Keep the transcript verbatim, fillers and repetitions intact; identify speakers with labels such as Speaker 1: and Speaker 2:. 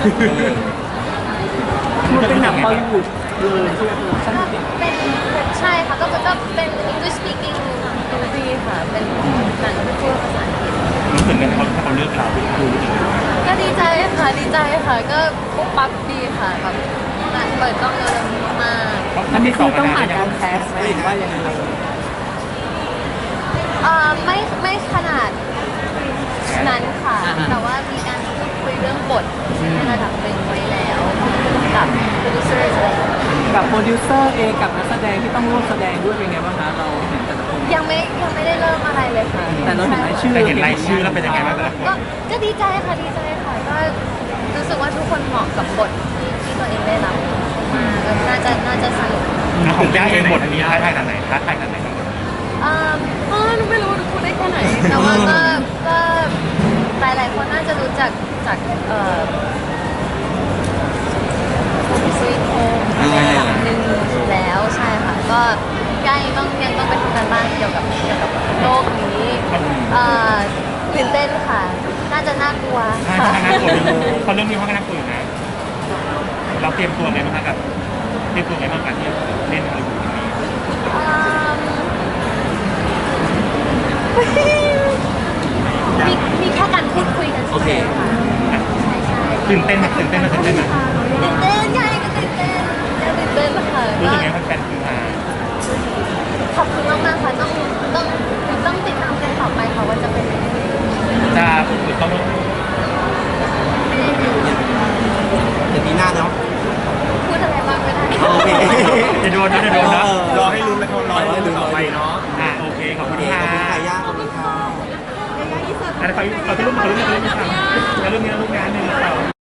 Speaker 1: มันเป็นหนังบอลลีวูดเลยใช่ไหมใช่ไหม
Speaker 2: เป็นใช่ค่ะก็ก็เป็น English speaking movie ค่ะ เป็นหนังที่พูดภาษาอังกฤษ
Speaker 3: รู้สึกไงเขาเขาเลือกเราดูรู้สึกไง
Speaker 2: ก็ดีใจค่ะดีใจค่ะ ก็ปุ๊บปั๊บดีค่ะแบบงานเปิดกล้องเร็วๆนี้มาก
Speaker 1: อันนี้คือต้องผ่านการแคสไหมหรือว่ายังไง
Speaker 2: ๆเอ่อไม่ไม่ขนาดนั้นค่ะ แต่ว่ามีการพูดคุยเรื่องบทในระดับหนึ่งไว้แล้วกับโปรดิวเซอร์อะไรอย่างเงี้ย
Speaker 1: กับโปรดิวเซอร์เองกับนักแสดงที่ต้องร่วมแสดงด้วยเป็นไงบ้างคะเราเห็นแต่ละคน
Speaker 2: ยังไม่ยังไม่ได้เริ่มอะไรเลยค่ะ
Speaker 1: แต่เราเห็นรายชื่อ
Speaker 3: แต่เห็นรายชื่อแล้วเป็นยังไงบ้างแต่ละคน
Speaker 2: ก็ก็ดีใจค่ะดีใจค่ะก็รู้สึกว่าทุกคนเหมาะกับบทที่ที่ตัวเองได้รับมาก็น่าจะน่าจะสนุก
Speaker 3: ของย่าเองบทนี้ท้าทายขนาดไหนท้าทายขนาดไหนบ้าง
Speaker 2: อ่าเออไม่รู้พูดได้แค่ไหน แต่ว่าก็ก็หลายหลายๆคนน่าจะรู้จักจากเอ่อสวีทโฮมในระดับหนึ่งแล้วใช่ค่ะก็ย่ายังต้องยังต้องไปทำการบ้านเกี่ยวกับเกี่ยวกับโลกนี้เอ่อตื่นเต้นค่ะ น่าจะน่ากลัว
Speaker 3: ใช่
Speaker 2: ค่ะ
Speaker 3: ใช่น่ากลัวเขาเรื่องนี้เขาก็น่ากลัวอยู่นะเราเตรียมตัวไงบ้างครับกับเตรียมตัวไงบ้างกับที่เล่นฮอลลีวูดนี้
Speaker 2: อืมมีมีแค่การพูดคุยกันเฉยๆค่ะใช่ใช่
Speaker 3: ตื่นเต้นไหมตื่นเต้นไหมตื่นเต้นไหม
Speaker 2: ตื่นเต้นใช่ก็ตื่นเต้นยังตื่นเต้นค่ะ
Speaker 3: รู้สึกไง
Speaker 2: ก็
Speaker 3: แฟนๆคือมา
Speaker 2: ขอบคุณมากๆค่ะต้องต้องต้องติดตามกันต่อไปค่ะว่าจะเป็นยังไง
Speaker 3: จะฝึกต้อง
Speaker 4: เดี๋ยวปีหน้าเนาะ
Speaker 2: พูดอะไรบ้างไม่ได้
Speaker 4: โอเค
Speaker 3: จะโดนนะจะโดนนะ
Speaker 4: รอให้ลุ้นแล้วรอให้ลุ้นต่อไปเนาะ
Speaker 3: อ่ะโอเคขอบคุณ
Speaker 4: ข
Speaker 3: ค่ะ
Speaker 4: อบคุณค่ะย่าขอบคุณค่ะ
Speaker 3: อะไรขอขอที่รูปขอรูปขอรูปค่ะ